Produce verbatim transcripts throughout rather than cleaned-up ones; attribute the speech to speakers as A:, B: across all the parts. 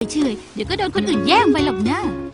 A: เฉยๆเดี๋ยวก็โดนคนอื่นแย่งไปหรอกนะ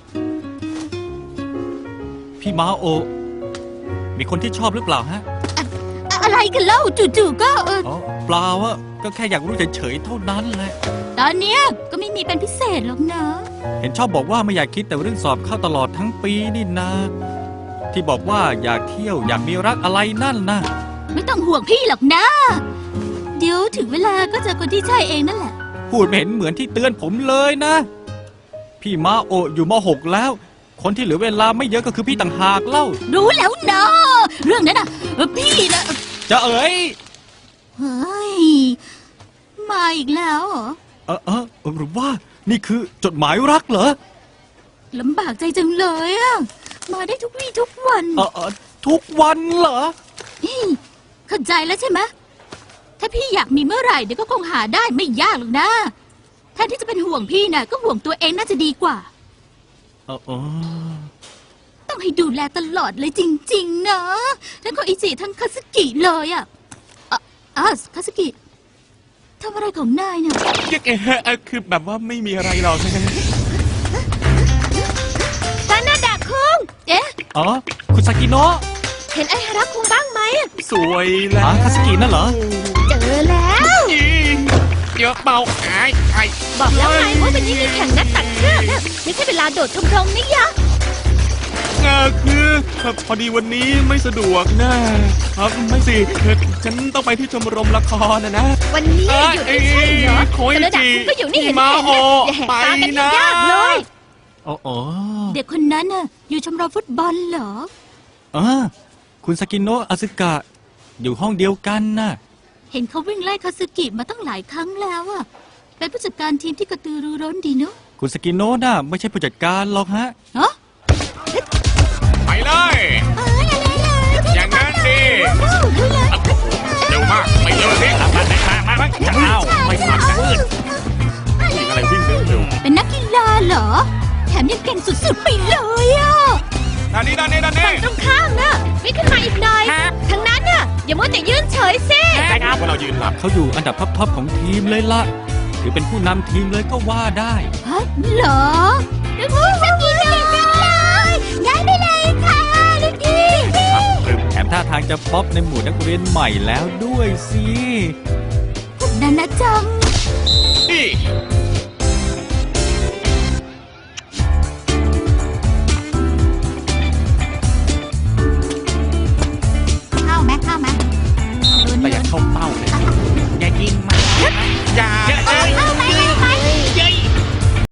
B: พี่มาโอ มีคนที่ชอบหรือเปล่าฮะ
A: อะอะไรกันเล่าจู่ๆก็เออ
B: อ๋อเปล่าอะก็แค่อยากรู้เฉยๆเท่านั้นแหละ
A: ตอนเนี้ยก็ไม่มีเป็นพิเศษหรอกนะ
B: เห็นชอบบอกว่าไม่อยากคิดแต่เรื่องสอบเข้าตลอดทั้งปีนี่นะ ที่บอกว่าอยากเที่ยวอยากมีรักอะไรนั่นนะ
A: ไม่ต้องห่วงพี่หรอกนะ เดี๋ยวถึงเวลาก็เจอคนที่ใช่เองนั่นแหละ
B: พูดไม่เห็นเหมือนที่เตือนผมเลยนะ พี่มาโออยู่มหกแล้ว คนที่เหลือเวลาไม่เยอะก็คือพี่ต่างหากเล่า
A: รู้แล้วนะเรื่องนั้นน่ะเออพี่นะ
B: จะเอ๋ย
A: เฮ้ยมาอีกแล้วเหรอ
B: เออเออหรือว่านี่คือจดหมายรักเหรอ
A: ลำบากใจจังเลยอะมาได้ทุกวี่ทุกวัน
B: เออเออทุกวันเหรอ
A: นี่เข้าใจแล้วใช่ไหมถ้าพี่อยากมีเมื่อไหร่เดี๋ยวก็คงหาได้ไม่ยากหรอกนะแทนที่จะเป็นห่วงพี่น่ะก็ห่วงตัวเองน่าจะดีกว่า
B: เออเออ
A: ต้องให้ดูแลตลอดเลยจริงๆนะทั้งโคอิจิทั้งคาสึกิเลยอะอ่ะอ่ะคาสึกิทำอะไรของนายเนี่ย
C: ยังไงฮะเอ่อคือแบบว่าไม่มีอะไรหรอก
A: ตานาดะคุงเอ๊ะ
B: อ๋อคุณซากิโนะ
A: เห็นไอฮาระคุงบ้างไหม
C: สวยแล้ว
B: อ๋อคาสกินั่นเหรอ
A: เจอแล้ว
C: อีเดี๋ยวเบาไอ้ไอ้
A: บอกแล้วไงว่าเป็นยี่แข่งนักตัดเชือกนะไม่ใช่เวลาโดดชมรมนี่ยะ
C: เออคือพอดีวันนี้ไม่สะดวกนะครับไม่สิคือฉันต้องไปที่ชมรมละครนะนะ
A: วันนี้หยุดไม่ใช่เหรอ
C: โค
A: ตา
C: อิ
A: นาดะ
C: จิ
A: คุงก็อยู่นี่เห็น
C: มา
A: เห็น
C: โอ
A: นะอย่าแหก
C: ไป
A: ตากันให้
C: นะ
A: ยากเลย
B: อ๋ออ๋อ
A: เด็กคนนั้นน่ะอยู่ชมรมฟุตบอลเหรอ
B: เออคุณซากิโนะอาซึกะ อยู่ห้องเดียวกันน่ะ
A: เห็นเขาวิ่งไล่คาสึกิมาตั้งหลายครั้งแล้วอะเป็นผู้จัดการทีมที่กระตือรือร้นดีเนาะ
B: คุณสกิโนะน่ะไม่ใช่ผู้จัดการหรอกฮะ
A: เนาะ
C: ไปเลย อย่างนั้นดิเร็วมากไปเร็วสิมามามามาอ้าวไม่ทันนะวิ่งอะไรวิ่งเร็วเร็ว
A: เป็นนักกีฬาเหรอ แถมยังเก่งสุดๆไปเลยอะ
C: ด้านนี้ด้านนี้ด้านนี้
A: ตรงข้ามน่ะวิ่งขึ้นมาอีกหน่อยทางนั้นน่ะอย่ามัวแต่ยืนเฉยสิ
C: ใช่ครับว่าเรายืนหลับ
B: เขาอยู่อันดับท็อปๆของทีมเลยละถือเป็นผู้นำทีมเลยก็ว่าได้
A: ฮะเหรอลูกพี่สกีเก่งจังเลยย้ายไปเลยค่ะลูกพี่
B: แถมท่าทางจะป๊อปในหมู่นักเรียนใหม่แล้วด้วยสิ
A: พวกนั้นนะจัง
C: นี่